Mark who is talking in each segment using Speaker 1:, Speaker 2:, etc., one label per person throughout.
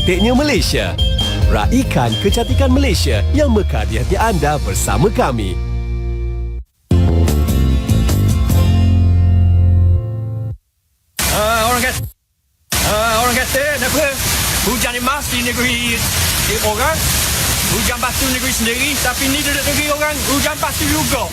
Speaker 1: cantiknya Malaysia. Raikan kecantikan Malaysia yang mekar di hati anda bersama kami.
Speaker 2: Orang kata apa? Hujan emas di negeri orang, hujan batu negeri sendiri, tapi ni duduk negeri orang, hujan batu juga.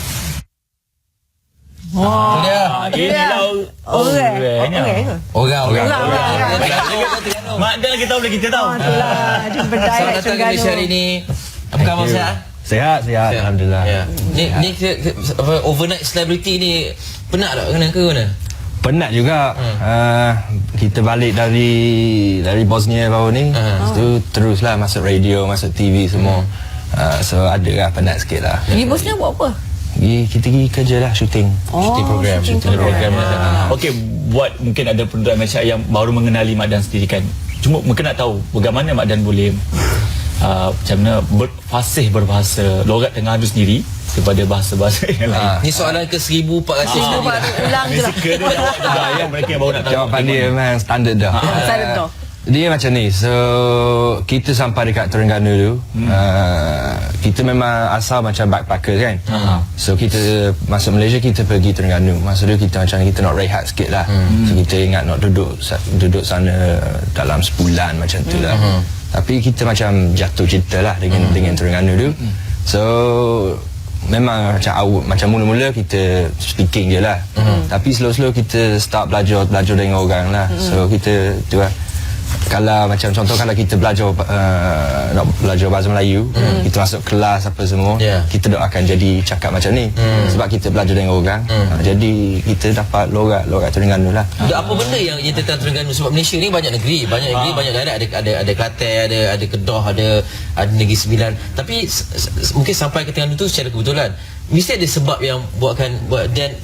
Speaker 3: Orang.
Speaker 2: Mak dia lagi tahu boleh kita tahu.
Speaker 4: Itulah, jumpa
Speaker 3: Selamat datang ke Malaysia hari ni. Apa khabar, sihat?
Speaker 5: Sihat, alhamdulillah.
Speaker 3: Ya. Ni overnight celebrity ni penat tak kena ke mana?
Speaker 5: Penat juga. Kita balik dari Bosnia baru ni. Itu teruslah masuk radio, masuk TV semua. So ada lah penat sikit lah.
Speaker 4: Di Bosnia buat apa?
Speaker 5: Kita pergi kerja lah, syuting.
Speaker 3: Shooting program.
Speaker 2: Okey, buat mungkin ada penduduk Malaysia yang baru mengenali Mak Dan sendiri kan. Cuma mungkin nak tahu bagaimana Mak Dan boleh macam mana fasih berbahasa logat Terengganu sendiri daripada bahasa-bahasa yang lain.
Speaker 3: Ni soalan ke 1400
Speaker 4: Ulang je lah.
Speaker 2: Ya, mereka yang baru nak tahu.
Speaker 5: Jawapan dia memang standard dah.
Speaker 4: Saya tahu.
Speaker 5: Dia macam ni. So kita sampai dekat Terengganu tu, kita memang asal macam backpacker kan. So kita masuk Malaysia, kita pergi Terengganu. Masa tu kita macam kita nak rehat sikit lah. So kita ingat nak duduk sana dalam sebulan macam tu lah. Tapi kita macam jatuh cinta lah dengan Terengganu tu. So memang macam mula-mula kita speaking je lah. Tapi slow-slow kita start belajar dengan orang lah. So kita tu lah. Kalau macam contoh kalau kita belajar nak belajar bahasa Melayu, kita masuk kelas apa semua, kita doakan jadi cakap macam ni. Sebab kita belajar dengan orang, jadi kita dapat logat Terengganu lah.
Speaker 3: Apa benda yang tentang Terengganu, sebab Malaysia ni banyak negeri, banyak daerah, ada Kelantan, ada Kedah, ada Negeri Sembilan. Tapi mungkin sampai ke Terengganu tu secara kebetulan. Mesti ada sebab yang buat Dan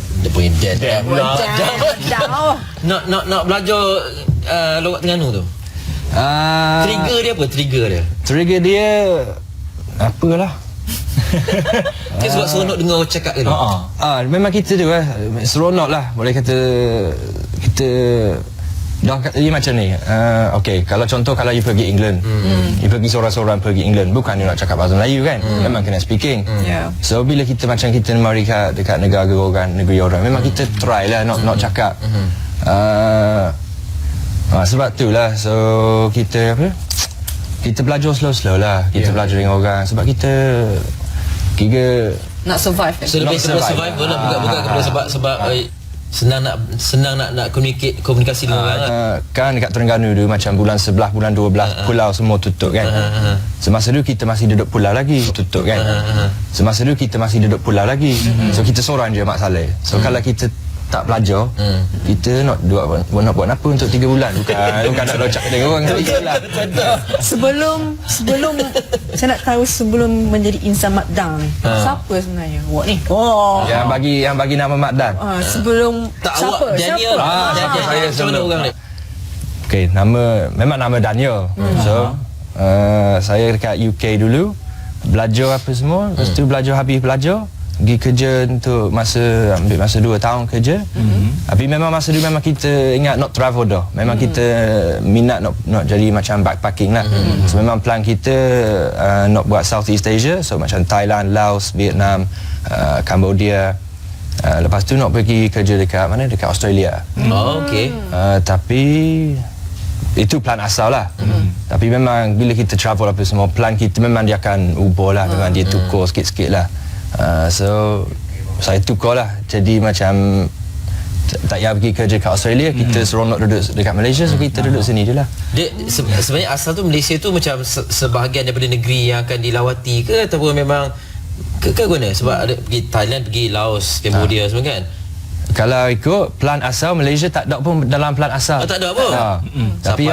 Speaker 3: nak belajar logat Terengganu tu. Trigger dia apa?
Speaker 5: Trigger dia apalah.
Speaker 3: Dia sebab seronok dengar orang cakap ke tu.
Speaker 5: Memang kita tu lah seronok lah. Boleh kata kita dah dia macam ni. Okey, kalau contoh kalau you pergi England, you pergi seorang-seorang pergi England, bukan you nak cakap bahasa Melayu kan, memang kena speaking. So bila kita macam kita mari dekat negeri orang, memang kita try lah nak cakap. Sebab tu lah, so kita belajar slow-slow lah. Kita belajar dengan orang sebab kita
Speaker 4: nak survive kan?
Speaker 3: So lebih survive lah, bukan kepada sebab senang nak komunikasi dengan orang
Speaker 5: kan. Dekat Terengganu tu macam bulan 11, bulan 12 pulau semua tutup kan. Semasa tu kita masih duduk pulau lagi tutup kan. Semasa tu kita masih duduk pulau lagi. So kita seorang je Mak Saleh. So kalau kita tak belajar, kita nak buat apa untuk 3 bulan? Bukan nak locak dengan orang.
Speaker 4: Sebelum saya nak tahu, sebelum menjadi insan Mak Dan, siapa sebenarnya awak ni?
Speaker 5: Yang bagi nama Mak Dan.
Speaker 4: Sebelum
Speaker 3: siapa? Daniel.
Speaker 5: Saya sebelum
Speaker 3: orang ni.
Speaker 5: Okey, memang nama Daniel. So saya dekat UK dulu belajar apa semua. Lepas tu habis belajar pergi kerja untuk ambil masa 2 tahun kerja. Tapi memang masa tu memang kita ingat nak travel dah. Memang kita minat nak jadi macam backpacking lah. So memang plan kita nak buat Southeast Asia. So macam Thailand, Laos, Vietnam, Cambodia. Lepas tu nak pergi kerja dekat Australia.
Speaker 3: Okey.
Speaker 5: Tapi itu plan asal lah. Tapi memang bila kita travel apa semua, plan kita memang dia akan ubah lah. Memang dia tukar sikit-sikit lah. So saya tukar lah. Jadi macam tak payah pergi kerja kat Australia, kita seronok duduk dekat Malaysia. So kita duduk sini je lah.
Speaker 3: Sebenarnya asal tu Malaysia tu macam sebahagian daripada negeri yang akan dilawati ke, ataupun memang ke mana? Sebab ada pergi Thailand, pergi Laos, Cambodia semua kan.
Speaker 5: Kalau ikut plan asal, Malaysia tak ada pun dalam plan asal.
Speaker 3: Tak ada apa?
Speaker 5: Tapi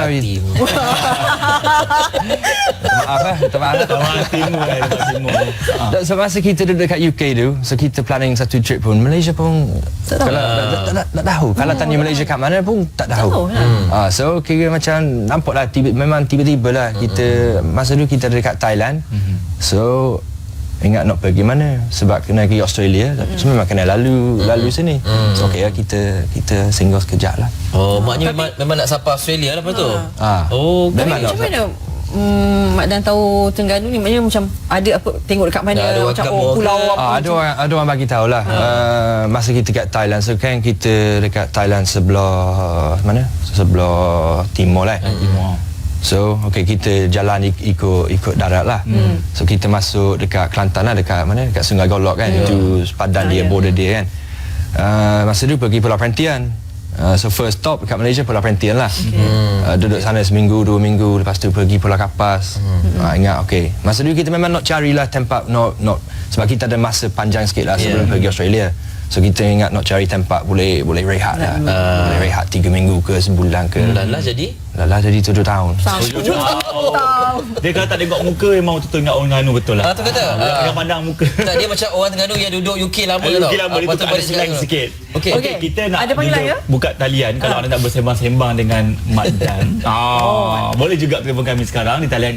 Speaker 5: so masa kita duduk dekat UK tu, so kita planning satu trip pun, Malaysia pun tak tahu. Kalau tanya Malaysia kat mana pun tak tahu. So kira macam nampak lah memang tiba-tiba lah kita masa tu kita dekat Thailand. So ingat nak pergi mana sebab kena pergi Australia, so memang kena lalu sini. So okey lah, kita singgah sekejap lah.
Speaker 3: Oh, maknanya memang nak sampai Australia lah lepas tu. Oh,
Speaker 5: memang
Speaker 4: Macam mana Mak Dan tahu Terengganu ni, maknanya macam ada apa, tengok dekat mana,
Speaker 3: ada
Speaker 4: macam
Speaker 3: kampung
Speaker 4: pulau
Speaker 3: ke?
Speaker 4: apa.
Speaker 5: ada orang bagi tahu lah. Masa kita kat Thailand, so kan kita dekat Thailand sebelah mana? Sebelah timur lah. So okey, kita jalan ikut darat lah. So kita masuk dekat Kelantan lah, dekat mana? Dekat Sungai Golok kan. Itu sepadan dia, border dia kan. Masa tu pergi Pulau Perhentian. So first stop dekat Malaysia, Pulau Perhentian lah. Duduk sana seminggu, 2 minggu, lepas tu pergi Pulau Kapas. Ingat okey, masa tu kita memang nak carilah tempat nak sebab kita ada masa panjang sikit lah sebelum pergi Australia. So kita ingat nak cari tempat boleh rehat lah. Boleh rehat 3 minggu ke sebulan ke.
Speaker 3: Lala jadi
Speaker 5: 7 tahun.
Speaker 2: Dia kalau tak tengok muka memang betul ingat orang Terengganu betul lah.
Speaker 3: tu kata.
Speaker 2: Dia pandang muka.
Speaker 3: Tak, dia macam orang Terengganu yang duduk UK lama tau.
Speaker 2: UK lama, dia tukar ada slang sikit.
Speaker 3: Okey.
Speaker 2: Okey, kita nak
Speaker 4: Ada panggilan
Speaker 2: juga
Speaker 4: ke?
Speaker 2: buka talian kalau anda nak bersembang-sembang dengan Mak Dan. Boleh juga telefon kami sekarang di talian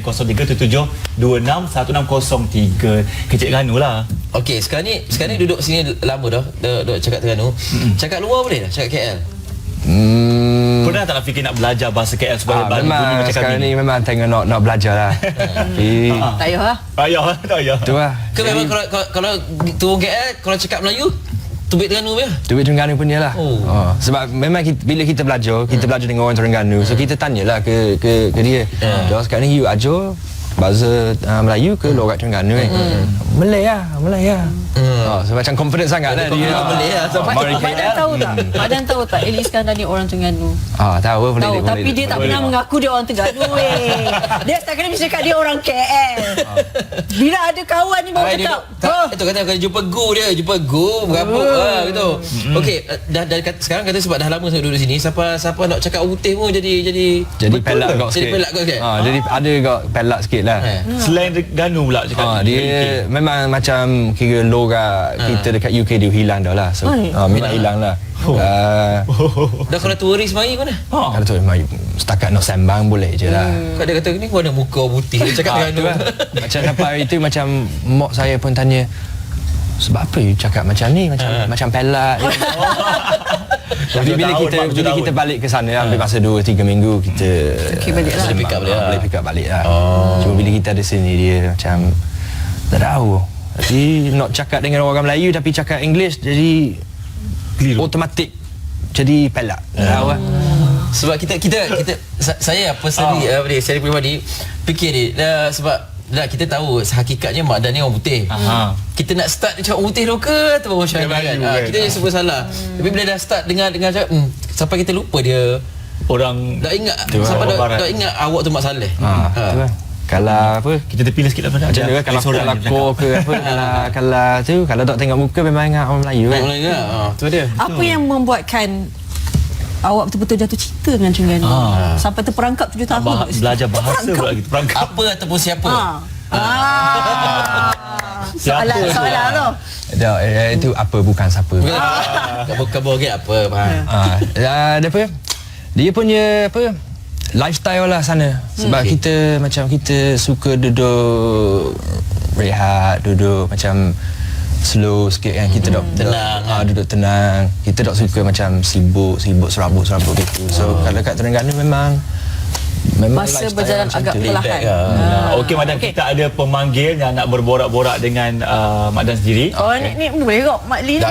Speaker 2: 0377261603. Kecik Terengganu lah.
Speaker 3: Okey, sekarang ni duduk sini lama dah. Duduk cakap Terengganu. Cakap luar boleh dah? Cakap KL?
Speaker 2: Pernah tak nak fikir nak belajar bahasa KL supaya bunyi
Speaker 5: memang
Speaker 2: macam
Speaker 5: sekarang
Speaker 2: kami?
Speaker 5: ni memang tengah nak belajar lah. Tapi
Speaker 4: Tak payah lah.
Speaker 2: Tak payah.
Speaker 5: tu lah.
Speaker 3: Ke memang kalau turun KL, kalau cakap Melayu, tubik Terengganu je?
Speaker 5: Duit Terengganu punya lah. Sebab memang bila kita belajar dengan orang Terengganu, so kita tanyalah ke dia. Dia sekarang ni you ajar bahasa Melayu ke logat Terengganu kan? Malay lah. So macam confident sangat lah dia.
Speaker 3: Malay lah.
Speaker 4: Mak Dan tahu tak? Mak Dan tahu tak Elie Iskandar ni orang Terengganu?
Speaker 5: Tahu boleh.
Speaker 4: Tahu, tapi dia tak pernah mengaku dia orang Terengganu weh. Dia tak kena mesti cakap dia orang KL. Bila ada kawan ni baru cakap.
Speaker 3: Itu kata kalau jumpa Go berapa gitu. Okey, dah sekarang kata sebab dah lama saya duduk sini, siapa nak cakap orang putih pun jadi
Speaker 5: pelak kau sikit.
Speaker 3: Jadi pelak kau sikit.
Speaker 5: Jadi ada kau pelak sikit lah.
Speaker 2: Selain Terengganu pula cakap.
Speaker 5: Dia memang macam kira logat kita dekat UK dia hilang dah lah. So memang hilang lah.
Speaker 3: Dah kalau turis mari mana?
Speaker 5: Kalau tu memang setakat nak sembang boleh je lah.
Speaker 3: Kau dia kata ni mana muka orang putih dia cakap Terengganu.
Speaker 5: Tu lah. Macam sampai hari tu macam mak saya pun tanya, sebab apa you cakap macam ni, macam pelak. Tapi bila kita balik ke sana, ambil masa 2-3 minggu kita
Speaker 4: balik lah.
Speaker 3: Boleh pick up balik lah.
Speaker 5: Boleh pick up balik lah. Cuma bila kita ada sini dia macam tak tahu. Jadi nak cakap dengan orang Melayu tapi cakap English jadi automatik jadi pelak. Tahu lah.
Speaker 3: Sebab kita saya personally saya peribadi fikir ni sebab kita tahu hakikatnya Mak Dan ni orang putih. Kita nak start cakap orang putih lokal atau orang China kan. Kita je semua salah. Tapi bila dah start dengan cakap sampai kita lupa dia
Speaker 2: Orang
Speaker 3: dah ingat sampai dah ingat awak tu Mak Saleh.
Speaker 5: Tu lah. Kalau apa
Speaker 2: kita terpilih sikit lah
Speaker 5: macam tu kan, kalau kor ke apa, kalau tu kalau tak tengok muka memang ingat orang Melayu kan.
Speaker 3: Orang Melayu tu dia.
Speaker 4: Apa yang membuatkan awak betul-betul jatuh cinta dengan Terengganu sampai terperangkap 7 tahun?
Speaker 2: Belajar bahasa pula gitu, perangkap.
Speaker 3: Apa ataupun siapa?
Speaker 4: Soalan tu.
Speaker 5: Itu apa bukan siapa.
Speaker 3: Kabur apa
Speaker 5: Dia apa? Dia punya apa? Lifestyle lah sana. Sebab kita suka duduk rehat, duduk macam slow sikit kan. Kita duduk tenang. Kita tak suka macam sibuk serabut gitu. So kalau kat Terengganu memang
Speaker 4: masa berjalan agak perlahan.
Speaker 2: Okey Mak Dan, kita ada pemanggil yang nak berborak-borak dengan Mak Dan sendiri.
Speaker 4: Ni boleh kok Mak Lee.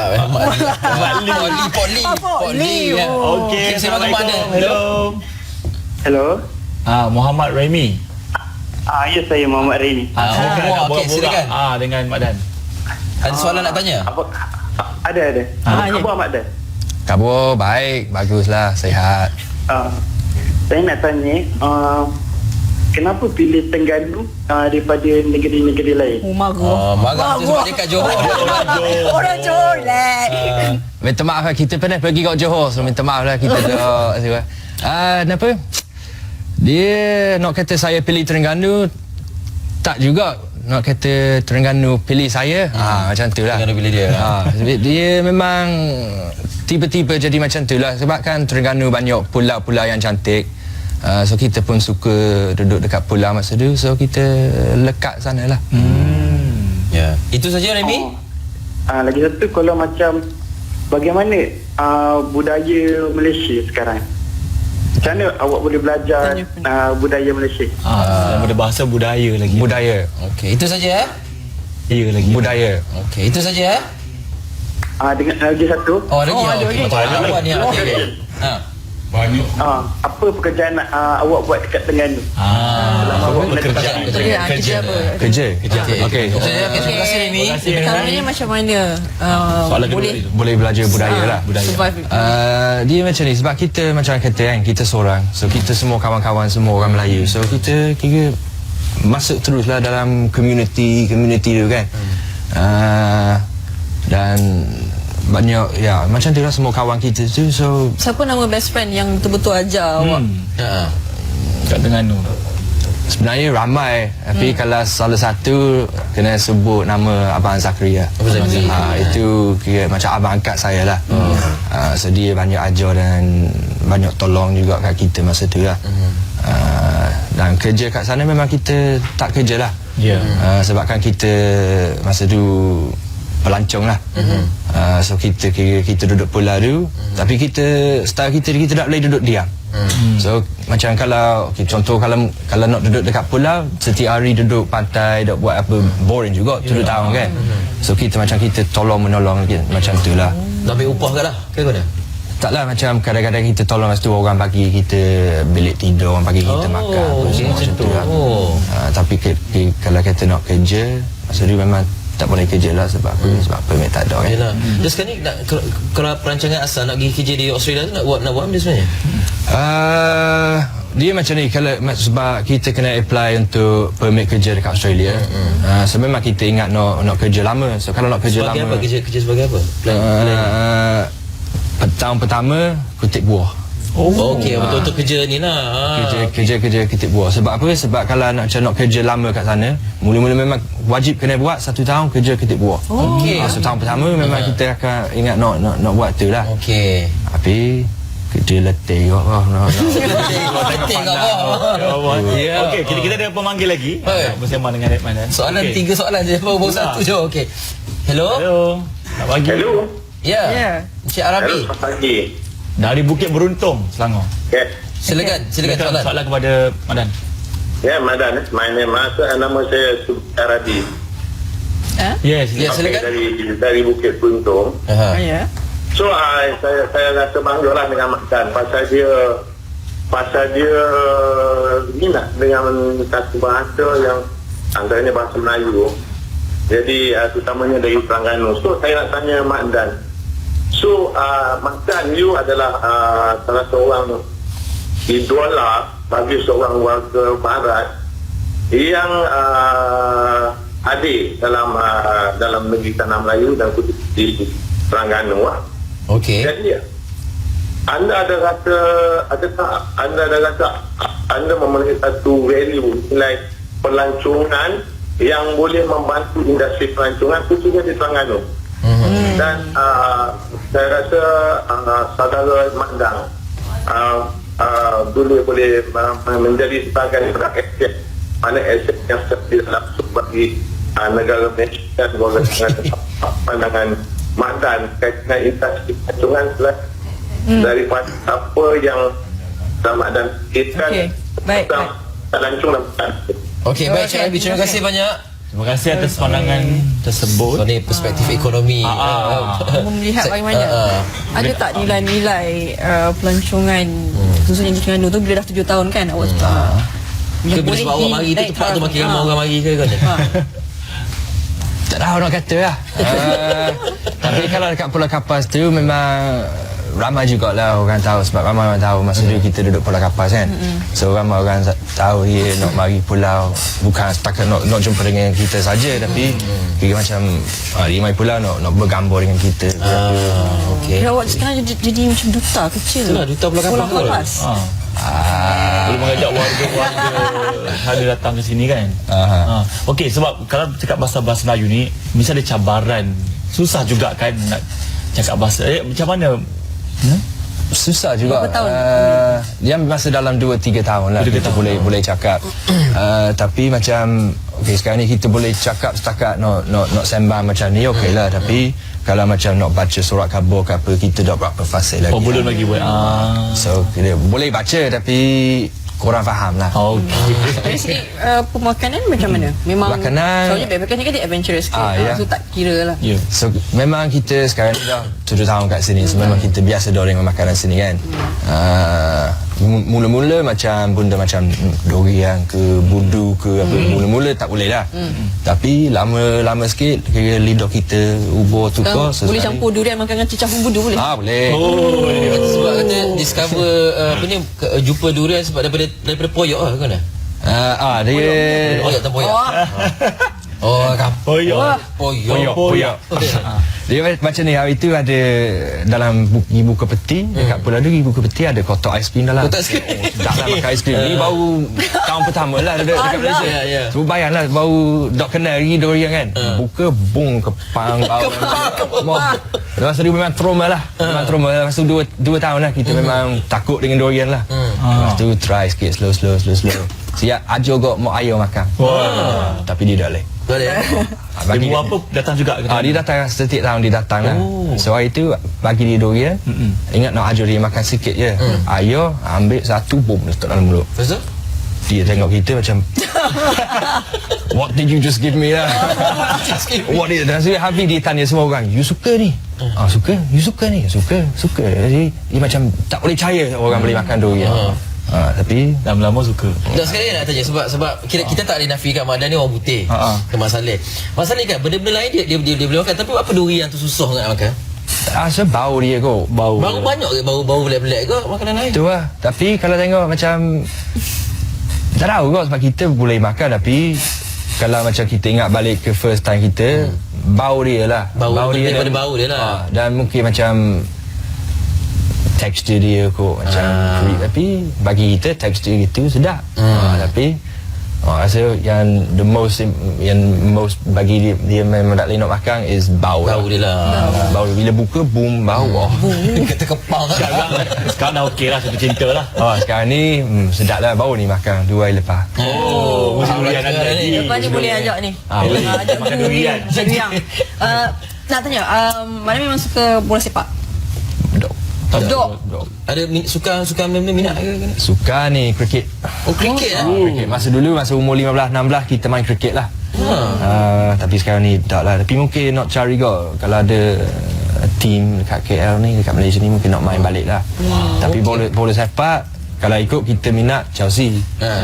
Speaker 3: Pok Lee.
Speaker 2: Okey,
Speaker 3: Saya panggil Mak Dan.
Speaker 2: Hello. Muhammad Remy.
Speaker 6: Ya, saya Muhammad Remy.
Speaker 3: Okey, silakan.
Speaker 2: Dengan Mak Dan.
Speaker 3: Ada soalan nak tanya?
Speaker 6: Ada. Khabar Mak Dan?
Speaker 5: Khabar baik, baguslah, sihat.
Speaker 6: Saya nak tanya, kenapa pilih Terengganu daripada negeri-negeri lain?
Speaker 3: Marah tu sebab dia kat Johor.
Speaker 4: Orang Johor lah.
Speaker 5: Minta maaf lah, kita pernah pergi kat Johor, so minta maaf lah kita tak. Kenapa? Dia nak kata saya pilih Terengganu, tak juga. Nak kata Terengganu pilih saya, macam tu lah.
Speaker 3: Terengganu pilih dia.
Speaker 5: Dia memang tiba-tiba jadi macam tu lah. Sebab kan Terengganu banyak pulau-pulau yang cantik. So kita pun suka duduk dekat pulau masa tu. So kita lekat sana lah.
Speaker 3: Ya. Itu saja Remy.
Speaker 6: Lagi satu, kalau macam bagaimana budaya Malaysia sekarang? Macam mana awak boleh belajar budaya Malaysia?
Speaker 2: Daripada bahasa budaya lagi.
Speaker 5: Budaya.
Speaker 3: Okey, itu saja
Speaker 2: Budaya lagi.
Speaker 5: Budaya.
Speaker 3: Okey, itu saja
Speaker 6: Dengan lagi satu.
Speaker 3: Okey. Awak ni okey.
Speaker 6: Apa pekerjaan awak buat dekat Terengganu?
Speaker 2: Kerja apa?
Speaker 5: Kerja.
Speaker 3: Okey.
Speaker 5: Okey.
Speaker 3: Terima kasih Remy.
Speaker 4: Caranya macam mana
Speaker 2: Soalan kedua
Speaker 4: boleh
Speaker 2: itu.
Speaker 5: Boleh belajar budaya lah.
Speaker 4: survive
Speaker 5: Dia macam ni sebab kita macam kata kan, kita seorang, so kita semua kawan-kawan semua orang Melayu, so kita kira masuk teruslah dalam community tu kan. Dan banyak macam tu lah semua kawan kita tu. So
Speaker 4: Siapa nama best friend yang betul-betul ajar awak?
Speaker 2: Kat Terengganu.
Speaker 5: sebenarnya ramai, tapi kalau salah satu kena sebut nama Abang Zakaria. Itu kira macam abang angkat saya lah. So dia banyak ajar dan banyak tolong juga kat kita masa tu lah. Dan kerja kat sana memang kita tak kerja lah. Sebabkan kita masa tu pelancong lah. So kita kira kita duduk pulau tu, tapi kita style kita tak boleh duduk diam. So macam kalau contoh kalau nak duduk dekat pulau setiap hari duduk pantai duk buat apa, boring juga duduk tahun kan. So kita macam kita tolong menolong macam tu lah.
Speaker 3: Ambil upah ke lah ke mana?
Speaker 5: Taklah, macam kadang-kadang kita tolong masa tu orang bagi kita bilik tidur, orang bagi kita makan macam tu lah. Tapi kalau kita nak kerja masa tu memang tak boleh kerja lah sebab apa? Sebab permit tak ada kan.
Speaker 3: Yalah. Dan sekarang ni kalau perancangan asal nak pergi kerja di Australia tu nak buat apa sebenarnya?
Speaker 5: Dia macam ni, kalau sebab kita kena apply untuk permit kerja dekat Australia. So memang kita ingat nak kerja lama. So kalau nak kerja
Speaker 3: sebagai
Speaker 5: lama,
Speaker 3: apa? Kerja sebagai apa?
Speaker 5: tahun pertama kutip buah.
Speaker 3: Okey, betul-betul kerja ni lah.
Speaker 5: Kerja kutip buah. Sebab apa? Sebab kalau nak kerja lama kat sana, mula-mula memang wajib kena buat 1 tahun kerja kutip buah.
Speaker 3: Okey.
Speaker 5: So tahun pertama memang kita akan ingat nak buat tu lah.
Speaker 3: Okey.
Speaker 5: Tapi kerja letih kok.
Speaker 3: Penting kat bawah.
Speaker 2: Okey, kita ada pemanggil lagi. Bersama dengan Redman.
Speaker 3: Soalan 3 soalan je, baru 1 je. Okey. Hello.
Speaker 2: Selamat pagi.
Speaker 6: Hello.
Speaker 3: Ya. Encik Arabi.
Speaker 6: Selamat pagi.
Speaker 2: Dari Bukit Beruntung, Selangor.
Speaker 6: Yes.
Speaker 3: Silakan
Speaker 2: Soalan kepada Madan.
Speaker 6: Ya, Madan. Nama saya Arabi.
Speaker 2: Yes.
Speaker 3: Ya, silakan.
Speaker 6: Dari Bukit Beruntung.
Speaker 4: Ya.
Speaker 6: So saya rasa bangga lah dengan Madan pasal dia minat dengan satu bahasa yang antaranya bahasa Melayu. Jadi terutamanya dari Terengganu. So saya nak tanya Madan. So Madan, you adalah salah seorang idola bagi seorang warga barat yang ada dalam negeri Tanah Melayu dan di Terengganu.
Speaker 3: Okey.
Speaker 6: Jadi anda ada rasa, adakah anda ada rasa anda memiliki satu value nilai pelancongan yang boleh membantu industri pelancongan khususnya di Terengganu? Dan saya rasa saudara Madan boleh menjadi sebagai aset, mana aset yang tidak langsung bagi negara Malaysia dan pandangan Madan dengan industri pelancongan daripada apa yang Madan fikirkan.
Speaker 4: Baik.
Speaker 6: Pelancong dan
Speaker 3: Okey, baik Cik Arabi, terima kasih banyak.
Speaker 2: Terima kasih atas pandangan tersebut.
Speaker 3: So ni perspektif ekonomi.
Speaker 4: Melihat bagaimana ada tak nilai-nilai pelancongan khususnya di Terengganu tu bila dah 7 tahun kan awak
Speaker 3: Ke bila sebab awak mari tu tempat tu makin ramai orang mari ke kan?
Speaker 5: Tak tahu nak kata lah. Tapi kalau dekat Pulau Kapas tu memang ramai jugalah orang tahu, sebab ramai orang tahu masa dulu kita duduk Pulau Kapas kan. So ramai orang tahu dia nak mari pulau, bukan setakat nak jumpa dengan kita saja, tapi kira macam dia mari pulau nak bergambar dengan kita.
Speaker 3: Okey.
Speaker 4: awak sekarang jadi macam duta kecil.
Speaker 3: Itulah duta Pulau Kapas.
Speaker 2: Boleh mengajak warga-warga ada datang ke sini kan. Okey, sebab kalau cakap bahasa Melayu ni mesti ada cabaran. Susah juga kan nak cakap bahasa. Macam mana?
Speaker 5: Susah juga.
Speaker 4: Berapa tahun?
Speaker 5: Dia masa dalam 2-3 tahun lah kita boleh cakap. Tapi macam okay, sekarang ni kita boleh cakap setakat nak sembang macam ni okey lah, tapi kalau macam nak baca surat khabar ke apa, kita dah berapa fasa lagi.
Speaker 2: Belum lagi buat.
Speaker 5: So kita boleh baca tapi korang faham lah.
Speaker 4: Dari segi pemakanan macam mana? Memang
Speaker 5: Makanan-
Speaker 4: soalnya backpacker ni kan dia adventurous sikit.
Speaker 5: ya.
Speaker 4: So tak kira lah.
Speaker 2: Ya.
Speaker 5: So memang kita sekarang ni dah 7 tahun kat sini, so memang kita biasa dah dengan makanan sini kan. Mula-mula macam benda macam durian ke budu ke apa, mula-mula tak boleh lah. Tapi lama-lama sikit kira lidah kita ubur tukar.
Speaker 4: Boleh campur durian makan dengan cicah bumbu boleh?
Speaker 5: Boleh.
Speaker 3: Sebab kata discover apa ni jumpa durian sebab daripada poyok lah kan?
Speaker 5: Dia
Speaker 3: Poyok tak poyok.
Speaker 5: Poyok. Dia macam ni, hari tu ada dalam buku peti, dekat Pulau Duri buku peti ada kotak aiskrim dalam.
Speaker 3: Kotak aiskrim.
Speaker 5: Tak lah makan aiskrim. Ni baru tahun pertama lah dekat Malaysia.
Speaker 3: Ya.
Speaker 5: So bayanglah baru dok kenal lagi durian kan. Buka bung kepang bau. Lepas tu dia memang trauma lah. Memang trauma. Lepas tu 2 tahun lah kita memang takut dengan durian lah. Lepas tu try sikit slow. Siap ajar kok mak ayah makan. Tapi dia tak boleh.
Speaker 2: Dia buat apa datang juga ke?
Speaker 5: Dia datang setiap tahun dia datang lah. So hari tu bagi dia durian. Ingat nak ajar dia makan sikit je. Ayah ambil satu bom letak dalam mulut.
Speaker 3: Lepas tu?
Speaker 5: Dia tengok kita macam what did you just give me lah. What did dan so habis dia tanya semua orang, you suka ni? Suka? You suka ni? Suka. Jadi dia macam tak boleh percaya orang boleh makan durian. Tapi
Speaker 2: lama-lama suka.
Speaker 3: Tak, sekali nak tanya sebab kita tak boleh nafikan Mak Dan ni orang putih. Ke Mak Saleh. Mak Saleh kan benda-benda lain dia boleh makan, tapi apa durian tu susah nak makan?
Speaker 5: rasa bau dia kot.
Speaker 3: Bau banyak ke bau pelik-pelik ke makanan lain?
Speaker 5: Tu lah. Tapi kalau tengok macam tak tahu kot, sebab kita boleh makan, tapi kalau macam kita ingat balik ke first time kita, bau dia lah.
Speaker 3: Bau dia daripada bau dia lah.
Speaker 5: Dan mungkin macam tekstur dia kot macam creep, tapi bagi kita tekstur itu sedap. Tapi rasa yang most bagi dia memang tak boleh nak makan is bau
Speaker 3: dia lah.
Speaker 5: Bau bila buka boom bau.
Speaker 3: Kata kepal.
Speaker 2: Sekarang dah okey lah, satu cinta lah.
Speaker 5: Sekarang ni sedap lah bau ni makan 2 hari lepas.
Speaker 2: Mesti durian ada lagi.
Speaker 4: Lepas ni boleh ajak ni. Ajak
Speaker 2: makan durian.
Speaker 4: Nak tanya, mana memang suka bola sepak? Dok.
Speaker 5: Ada
Speaker 3: suka minat ke?
Speaker 5: Suka ni kriket.
Speaker 3: Oh, kriket lah.
Speaker 5: Kriket. Masa dulu masa umur 15-16 kita main kriket lah. Tapi sekarang ni tak lah. Tapi mungkin nak cari kot kalau ada team dekat KL ni, dekat Malaysia ni, mungkin nak main balik lah. Tapi bola sepak kalau ikut kita minat Chelsea.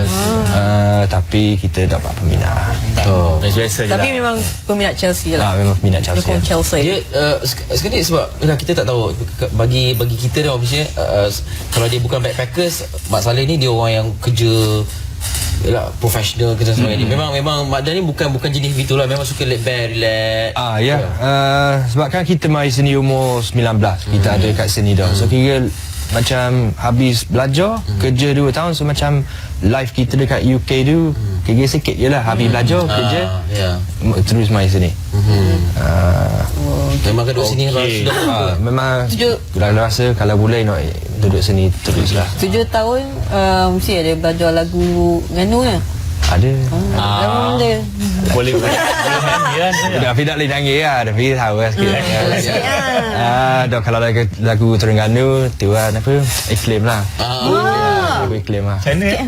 Speaker 5: Tapi kita tak apa minat.
Speaker 2: Biasa je
Speaker 4: Tapi
Speaker 2: lah.
Speaker 4: memang peminat Chelsea lah.
Speaker 5: Memang minat Chelsea.
Speaker 4: Dukung Chelsea.
Speaker 3: Dia sekali sebab kita tak tahu bagi kita dia orang Malaysia, kalau dia bukan backpackers, Mak Saleh ni dia orang yang kerja profesional kerja sebagainya. Memang Mak Dan ni bukan jenis gitulah, memang suka laid back, relax.
Speaker 5: Sebab kan kita mai sini umur 19, kita ada kat sini dah. So kira macam habis belajar, kerja 2 tahun, so macam life kita dekat UK tu kira sikit je lah. Habis belajar, kerja, terus mai sini.
Speaker 3: Memang duduk sini
Speaker 5: memang dah rasa kalau boleh nak duduk sini teruslah.
Speaker 4: 7 tahun mesti ada belajar lagu Nganu kan?
Speaker 5: Ada.
Speaker 2: Boleh nyanyi kan.
Speaker 5: Tapi tak boleh nyanyi lah, tapi tahu lah sikit. Dah kalau lagu Terengganu tu lah apa, Iklim lah. Lagu Iklim lah.
Speaker 2: Macam mana?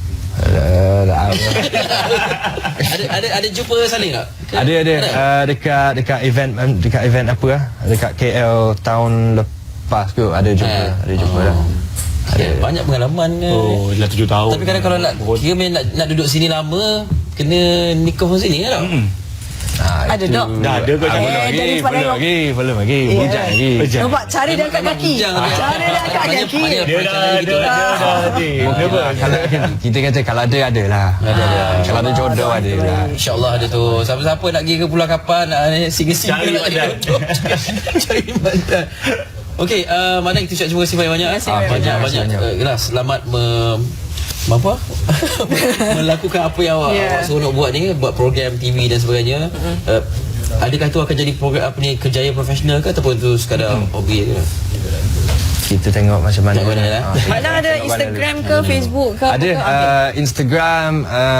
Speaker 3: Ada jumpa Saleh tak?
Speaker 5: Ada dekat event apa lah, dekat KL tahun lepas ke ada jumpa lah.
Speaker 3: Banyak pengalaman.
Speaker 2: Dah 7 tahun.
Speaker 3: Tapi kadang kalau nak duduk sini lama, kena nikah sini kan?
Speaker 4: Ada dok.
Speaker 2: Dah ada kot.
Speaker 5: Belum lagi. Bujang lagi.
Speaker 4: Nampak cari dia angkat kaki. Cari dia angkat kaki.
Speaker 2: Dia dah.
Speaker 5: Kita kata kalau ada lah. Kalau ada jodoh ada lah.
Speaker 3: InsyaAllah ada tu. Siapa-siapa nak pergi ke Pulau Kapal, nak singgah-singgah cari badan. Okey, Mak Dan, kita terima kasih banyak-banyak. Banyak. Selamat melakukan apa yang awak seronok buat ni, buat program TV dan sebagainya. Adakah itu akan jadi program apa ni, kerjaya profesional ke ataupun tu sekadar hobi je?
Speaker 5: kita tengok macam mana.
Speaker 3: Tengok mana lah.
Speaker 4: Mak Lang ada Instagram ke Facebook ke?
Speaker 5: Ada
Speaker 4: apa ke?
Speaker 5: Instagram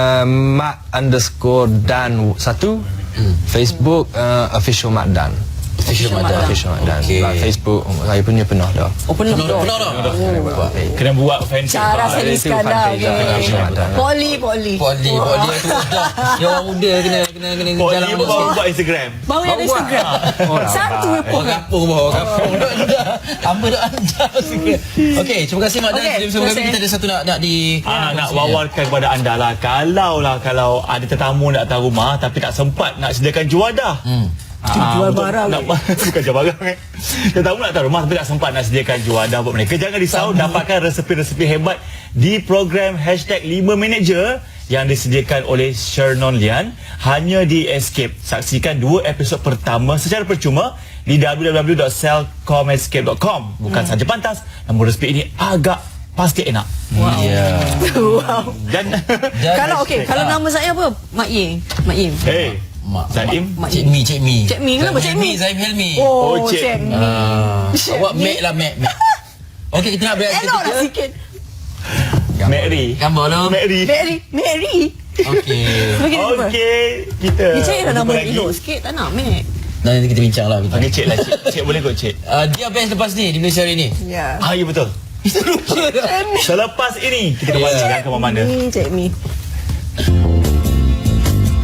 Speaker 5: mak_dan1, Facebook official Mak Dan.
Speaker 3: Official Mak Dan.
Speaker 5: Official Mak Dan.
Speaker 3: Okey.
Speaker 5: Facebook saya punya penuh dah.
Speaker 4: Oh, penuh dah.
Speaker 3: Penuh dah.
Speaker 2: Kena buat fanpage.
Speaker 4: Cara
Speaker 2: Pak.
Speaker 4: Seri
Speaker 5: itu
Speaker 4: Iskandar.
Speaker 5: fanpage lah, Official Mak Dan.
Speaker 4: Poli.
Speaker 3: Poli tu dah. Yang orang muda kena
Speaker 2: Oh,
Speaker 3: jalan
Speaker 2: dia baru buat Instagram.
Speaker 4: Baru ada Instagram. Satu
Speaker 3: Orang kampung bawah kampung. Hamba dah anda sikit. Okey, terima kasih Mak Dan.
Speaker 4: Okey,
Speaker 3: Sebelum kami
Speaker 4: terima
Speaker 3: kita ada satu nak di
Speaker 2: Nak wawarkan kepada anda lah. Kalau ada tetamu nak datang rumah tapi tak sempat nak sediakan juadah.
Speaker 4: Jual barang.
Speaker 2: Bukan jual barang Tetamu nak datang rumah tapi tak sempat nak sediakan juadah buat mereka. Jangan risau, dapatkan resepi-resepi hebat di program #5Minute yang disediakan oleh Shernon Lian hanya di Escape. Saksikan 2 episod pertama secara percuma di www.selcomescape.com. Bukan saja pantas, namun resepi ini agak pasti enak.
Speaker 4: Wow.
Speaker 2: Dan
Speaker 4: Kalau nama saya apa? Mak Im.
Speaker 2: hey, Zaim,
Speaker 3: Cik Mi.
Speaker 4: Cik Mi, kenapa Cik Mi?
Speaker 3: Zaim Helmi.
Speaker 4: Oh,
Speaker 2: Cik
Speaker 4: Cik Mi.
Speaker 3: Awak Mek lah Mek. Okey, kita nak berehat
Speaker 4: Elok lah sikit.
Speaker 2: Mary.
Speaker 3: Gambar lah.
Speaker 2: Mary.
Speaker 4: Mary.
Speaker 3: Okey.
Speaker 2: Okey, kita.
Speaker 4: Dia cari lah nama
Speaker 2: jumpa
Speaker 4: yang
Speaker 2: lagi.
Speaker 4: elok sikit. Tak nak, Mek.
Speaker 3: Nanti kita bincang lah.
Speaker 2: Okey, Cik lah, Cik. Cik boleh kot, Cik.
Speaker 3: Dia best lepas ni di Malaysia hari ni.
Speaker 4: Ya.
Speaker 2: Ya betul. Selepas ini kita kembali ke mana-mana.
Speaker 4: Cik Mi.